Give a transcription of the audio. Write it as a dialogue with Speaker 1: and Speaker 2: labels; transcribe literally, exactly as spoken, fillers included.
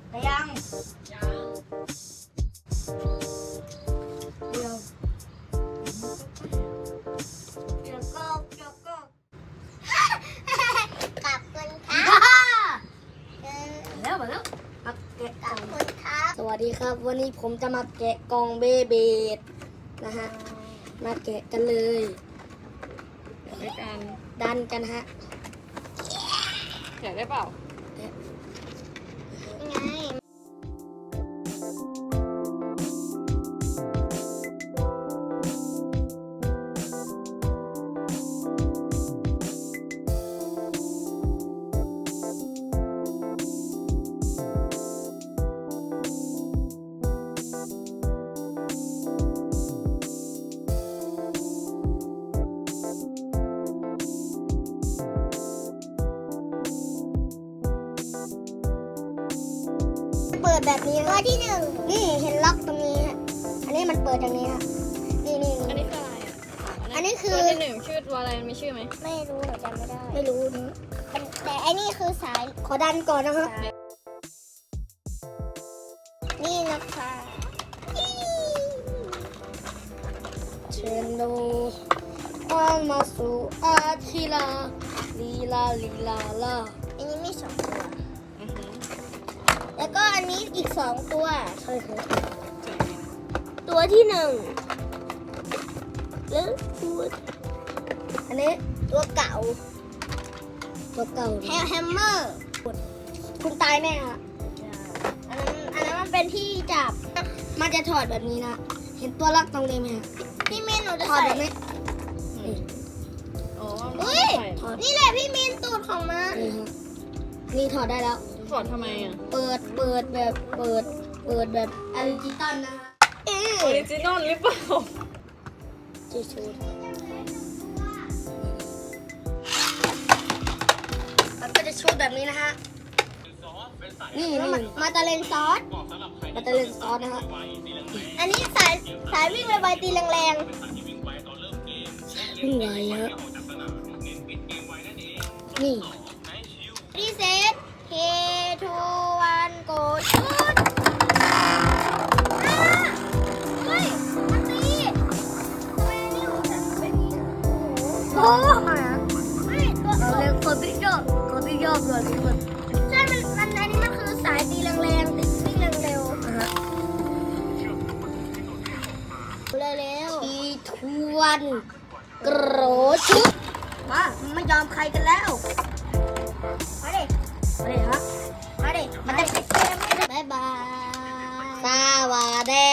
Speaker 1: แต่ยังยังเดี๋ยวเดี๋ยวก็เดี๋ยวก็
Speaker 2: กลับคุณค
Speaker 1: ฮ่า
Speaker 2: รับ
Speaker 1: ฮ่า
Speaker 2: เออ
Speaker 1: แล้วมาแล้วมาแกะ
Speaker 2: ก
Speaker 1: ก
Speaker 2: ลั
Speaker 1: ล่
Speaker 2: บ
Speaker 1: อง
Speaker 2: คุณครับ
Speaker 1: สวัสดีครับ วันนี้ผมจะมาแกะกล่องเบเบดนะฮะมาแกะกันเลย
Speaker 3: ด้วยกัน
Speaker 1: ดันกันฮะ
Speaker 3: อยากได้เปล่า
Speaker 2: ไง เปิดแบบนี้ตัวที่หนึ่งนี่เห็นล็อกตรงนี้ฮะอันนี้มันเปิดอย่างนี้ฮะนี่นี่
Speaker 3: อัน
Speaker 2: นี่
Speaker 3: นี้คืออะไรอ่ะ
Speaker 2: อันนี้คือ
Speaker 3: ตัวที่หนึ่งชื่อตัวอะไรมีชื่อไหม
Speaker 2: ไม่รู้หนูจำไม่ได้
Speaker 1: ไม่รู้นะ
Speaker 2: มันแต่อันนี้คือสาย
Speaker 1: ขอดันก่อนนะครับ
Speaker 2: นี่นะคะ
Speaker 1: เชิญดูความมาสู่อาทิลาลีลาลีลาลา
Speaker 2: อันนี้มีสองตัว
Speaker 3: อือหือ
Speaker 2: แล้วก็อันนี้อีกสองตัว
Speaker 1: ใช่ครับ
Speaker 2: ตัวที่หนึ่งแล้วตัว
Speaker 1: อันนี้
Speaker 2: ตัวเก่า
Speaker 1: ตัวเก่า
Speaker 2: แฮมแฮมเมอร์
Speaker 1: คุณตายแน่ฮะ
Speaker 2: อันนั้นอันนั้นมันเป็นที่จับ
Speaker 1: มันจะถอดแบบนี้นะ เห็นตัวล็อกตรงนี้ไหมฮะ
Speaker 2: พี่มินหนูจะ
Speaker 1: ถอด
Speaker 2: ใส่
Speaker 1: แบบนี้
Speaker 3: อืมอ๋อ
Speaker 2: อุ้ย
Speaker 1: ถอด
Speaker 2: นี่แหละพี่มินตูดของมัน
Speaker 1: นี่ฮะนี่ถอดได้แล้ว
Speaker 3: ถอดทำไมอ่ะ
Speaker 1: เปิด เปิดแบบ เปิด เปิดแบบอลิจิตอลนะฮะ
Speaker 2: เอ
Speaker 3: ออริจินอลหรือเปล่า
Speaker 1: จีชูดมันก็จะชูดแบบนี้นะฮะ นี่นี่
Speaker 2: มามาตาเลนซอส
Speaker 1: มันจะเล่นซอสนะฮะ
Speaker 2: อันนี้สายสายวิ่งไวๆตีแรง
Speaker 1: ขึ้นไหวฮะ นี่
Speaker 2: ๆรีเซ็ตเคทูวันโกชุดเฮ้ยมันตีทำไมอันนี้ของฉันเป็นอย่างนี้โอ้โหไม่ตัว
Speaker 1: เราเรียกคนที่ชอบคนที่ชอบเลยที่มัน
Speaker 2: ใช่มันมันอันนี้มันคือสายตีแรงๆตีวิ่งเร็ว
Speaker 1: นะฮะ
Speaker 2: ๆเร็ว
Speaker 1: ทีทวนกรชุดมาไม่ยอมใครกันแล้ว
Speaker 2: ๆมาดิ
Speaker 1: มาเลยฮะ
Speaker 2: มาดิ
Speaker 1: มันจะ
Speaker 2: เกมบ๊ายบาย
Speaker 1: สวัสดี